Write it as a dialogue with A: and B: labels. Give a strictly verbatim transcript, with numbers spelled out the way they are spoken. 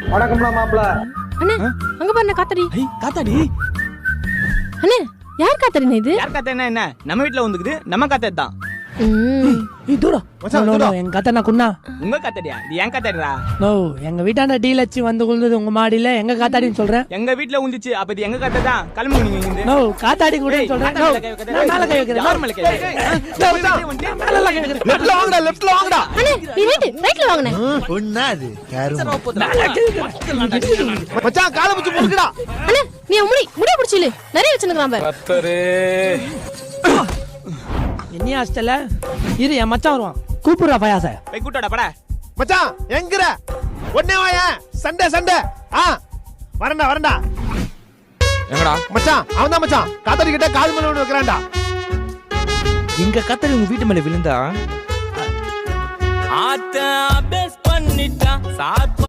A: வணக்கம்டா மாப்ள.
B: அண்ணே அங்க பாருங்க காத்தாடி.
C: ஐய் காத்தாடி.
B: அண்ணே யார் காத்தாடினே இது?
D: யார் காத்தாடினா என்ன? நம்ம வீட்ல வந்துக்குது, நம்ம காத்தாடி தான்.
B: ம்
C: ஏய் தூரா
A: மச்சான்,
C: நோ, நோ,
A: தூரா.
C: நோ, எங்க கத்தனா குன்னா.
D: உங்க காத்தாடியா? இது ஏன் காத்தாடிடா?
C: நோ எங்க வீட்டாண்ட டீலச்சி வந்து குழுந்தது உங்க மாடியில எங்க காத்தாடின்னு சொல்றேன்.
D: எங்க வீட்ல உந்துச்சு, அப்ப இது எங்க காத்தாடி தான். கிளம்புங்க நீங்க இங்க இருந்து.
C: நோ காத்தாடி கூட
D: ஏய்,
C: சொல்றேன்.
D: காத்தாடி
C: நோ
D: மேல கை வைக்காத.
C: நான் மேல கை வைக்கிறேன்.
D: யார் மேல கை வைக்கிற?
C: நோ, மச்சான், மேல எல்லாம் கை வைக்கிறேன்.
A: லெஃப்ட்ல வாங்கடா, லெஃப்ட்ல வாங்கடா.
B: அண்ணே நீ ரைட் ரைட்ல வாங்கண்ணே.
E: ஒண்ணா அது கருமம்.
A: மச்சான் காலை பிடிச்சு முறுக்குடா.
B: அண்ணே நீ முடி முடி பிடிச்சில நிறைய வச்சிருக்கான் பாரு.
D: கத்தரே.
C: என்ன ஹாஸ்டல்ல இரு என் மச்சான் வருவான். கூப்பிடுறா பயாச.
D: போய் கூட்டோட பட.
A: மச்சான் எங்கற? ஒண்ணே வாயா. Sunday Sunday. ஆ வரண்டா வரண்டா.
D: எங்கடா?
A: மச்சான் அவன் தான் மச்சான். காத்தாடி கிட்ட கால் மேல ஒன்னு வைக்கறான்டா.
D: எங்க காத்தாடி உங்க வீட்டு மேல விழுந்தா? ஆத்த அபேஸ் பண்ணிட்டா சாத்